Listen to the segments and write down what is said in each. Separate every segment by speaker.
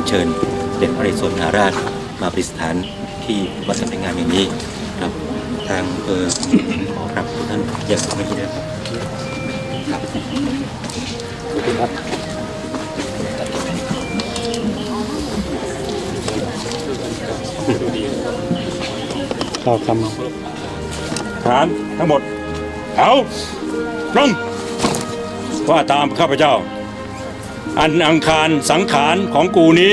Speaker 1: เชิญเด็จพระนเรศวรมหาราชมาประดิษฐานที่วัดสำนักงานอย่างนี้ครับทางขอครับทุกท่านอย่าสมัยนี้นะครับครับขอบคุณครับ
Speaker 2: ต่อคำฐานทั้งหมดเอาตรงว่าตามข้าพเจ้าอันอังคารสังขารของกูนี้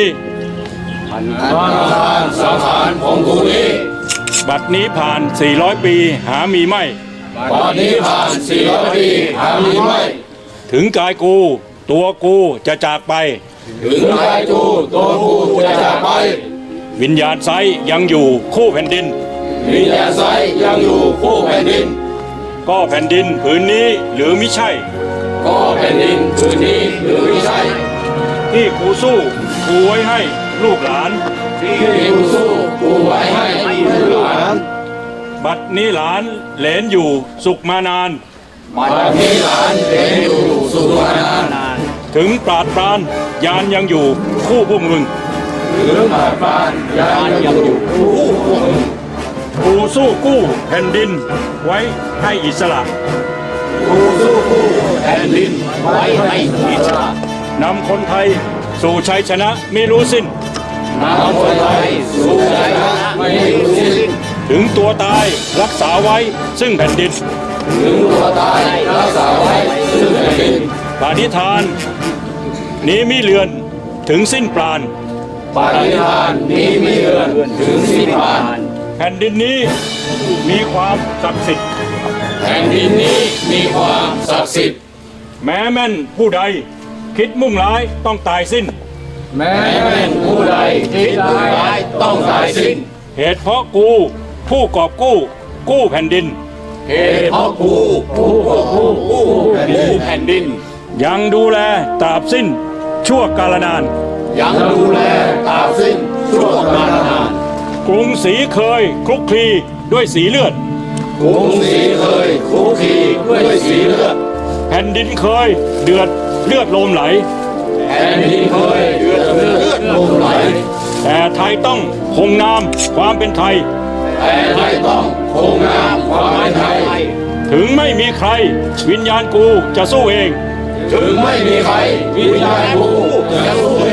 Speaker 3: สังขารของกูนี้
Speaker 2: บัดนี้ผ่าน400ปีหามีไม่
Speaker 3: บัดนี้ผ่าน400ปีหามีไม่
Speaker 2: ถึงกายกูตัวกูจะจากไป
Speaker 3: ถึงกายกูตัวกูจะจากไป
Speaker 2: วิญญาณไซยังอยู่คู่แผ่นดิน
Speaker 3: วิญญาณไซยังอยู่คู่แผ่นดิน
Speaker 2: ก็แผ่นดินผืนนี้หรือมิใช่
Speaker 3: ก็แผ่นดินผืนนี้หรือมิใช่
Speaker 2: ที่กูสู้กูไว้ให้ลูกหลาน
Speaker 3: ที่กูสู้กูไว้ให้ลูกหลาน
Speaker 2: บัดนี้หลานเหลนอยู่สุขมานาน
Speaker 3: บัดนี้หลานเหลนอยู่สุขมานาน
Speaker 2: ถึงปราดปรานยานยังอยู่คู่พวกมึง
Speaker 3: ถึงปราดปรานยานยังอยู่คู่พวกมึง
Speaker 2: กูสู้กู้แผ่นดินไว้ให้อิสระ
Speaker 3: กูสู้กู้แผ่นดินไว้ให้อิสระ
Speaker 2: นำคนไทยสู่ชัยชนะไม่รู้สิ้น
Speaker 3: นำคนไทยสู่ชัยชนะไม่รู้สิ้น
Speaker 2: ถึงตัวตายรักษาไว้ซึ่งแผ่นดิน
Speaker 3: ถึงตัวตายรักษาไว้ซึ่งแผ่นดิน
Speaker 2: ปาฏิทานนี้มิเลือนถึงสิ้นปราณ
Speaker 3: ปาฏิทานนี้มิเลือนถึงสิ้นปราณ
Speaker 2: แผ่นดินนี้มีความศักดิ์สิทธิ์
Speaker 3: แผ่นดินนี้มีความศักดิ์สิทธิ์
Speaker 2: แม้แม่นผู้ใดคิดมุ่งร้ายต้องตายสิ้น
Speaker 3: แม้แม่นผู้ใดคิดมุ่งร้ายต้องตายสิ้น
Speaker 2: เหตุเพราะกูผู้กอบกู้แผ่นดิน
Speaker 3: เหตุเพราะกูผู้กอบกู้แผ่นดิน
Speaker 2: ยังดูแลตราบสิ้นชั่วกาลนาน
Speaker 3: ยังดูแลตราบสิ้นชั่วกาลนาน
Speaker 2: กรุงศรีเคยคลุกคลีด้วยสีเลือด
Speaker 3: กรุงศรีเคยคลุกคลีด้วยสีเลือด
Speaker 2: แผ่นดินเคยเดือดเลือดลมไหล
Speaker 3: แผ่นดินเคยเดือดเลือดลมไหล
Speaker 2: แต่ไทยต้องคงนามความเป็นไทย
Speaker 3: แต่ไทยต้องคงนามความเป็นไทย
Speaker 2: ถึงไม่มีใครวิญญาณกูจะสู้เอง
Speaker 3: ถึงไม่มีใครวิญญาณกูจะสู้เอ